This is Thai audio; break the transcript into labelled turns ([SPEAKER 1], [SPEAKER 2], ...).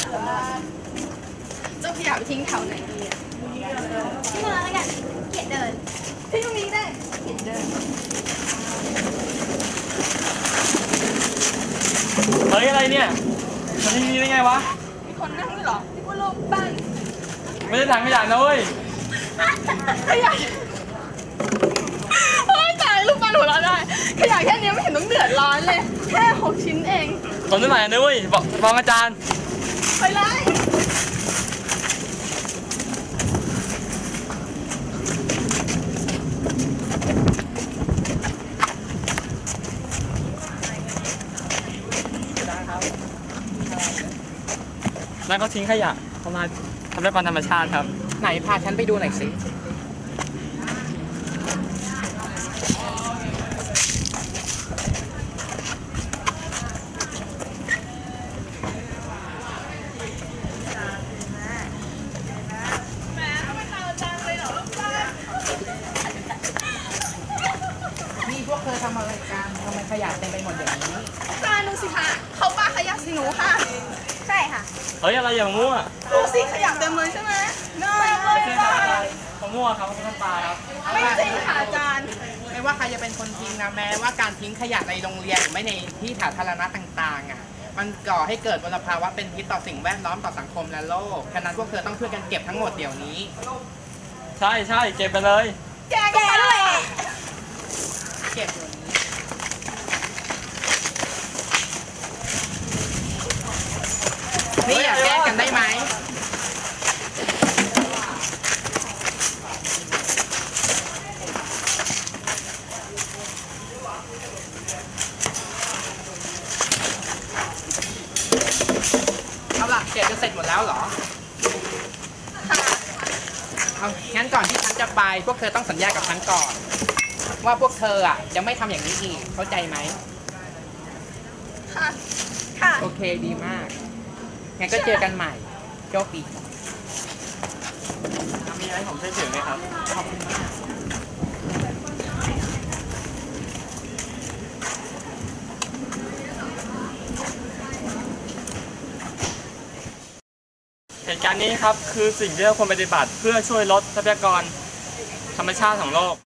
[SPEAKER 1] เจ้าขยะไปทิ้งแถวไหนดีอ่ะทิ้งตรงนั้นแล้วกันเกียดเดินทิ้งตรงนี้ได้เกียดเดิน
[SPEAKER 2] เฮ้ยอะไรเนี่ยมาที่นี่ได้ไงวะ
[SPEAKER 1] มีคนนั่งด้วยเหรอนี่ว่าโลกบ้าน
[SPEAKER 2] ไม่ได้ถังขยะนะเว้ย
[SPEAKER 1] ขยะเฮ้ยตายลูกบ้านหัวเราะได้ขยะแค่นี้ไม่เห็นต้องเดือดร้อนเลยแค่6 ชิ้นเอง
[SPEAKER 2] ทนได้ไหมนะเว้ยบอกฟ้องอาจารย์
[SPEAKER 1] ไปเลย
[SPEAKER 2] นั่นเขาทิ้งขยะทำลายทรัพยากรธรรมชาติครับ
[SPEAKER 3] ไหนพาฉันไปดูหน่อยสินี่พวกเธอทำอะไรกันทำไมขยะเต็มไปหมดอย่างนี้
[SPEAKER 1] จานดูสิค่ะเขาปาขยะสิหนูค่ะใช่ค่ะ
[SPEAKER 2] เฮ้ยอะไรอย่างมั่ว
[SPEAKER 1] ดูสิขยะเต็มเลยใช่ไหมเต็มเลยค่ะ
[SPEAKER 2] เขามั่วครับเขาทำตายครับ
[SPEAKER 1] ไม่จริงค่ะอาจารย์
[SPEAKER 3] ไม่ว่าใครจะเป็นคนทิ้งนะแม้ว่าการทิ้งขยะในโรงเรียนหรือไม่ในที่สาธารณะต่างๆอ่ะมันก่อให้เกิดมลภาวะเป็นพิษต่อสิ่งแวดล้อมต่อสังคมและโลกฉะนั้นพวกเธอต้องช่วยกันเก็บทั้งหมดเดี๋ยวนี้
[SPEAKER 2] ใช่ใช่เก็บไปเลย
[SPEAKER 1] แกด้วย
[SPEAKER 3] เก็บนี่อยากแก้กันได้ไหมเอาล่ะเก็บจะเสร็จหมดแล้วเหรอเอางั้นก่อนที่ฉันจะไปพวกเธอต้องสัญญากับฉันก่อนว่าพวกเธออ่ะจะไม่ทำอย่างนี้อีกเข้าใจไหม
[SPEAKER 1] ค่ะค่ะ
[SPEAKER 3] โอเคดีมากงั้นก็เจอกันใหม่โชคดี
[SPEAKER 2] มีอะไรผมช่วยถือไหมครับ
[SPEAKER 3] ขอบคุณมาก
[SPEAKER 2] เหตุการณ์นี้ครับคือสิ่งที่เราควรปฏิบัติเพื่อช่วยลดทรัพยากรธรรมชาติของโลก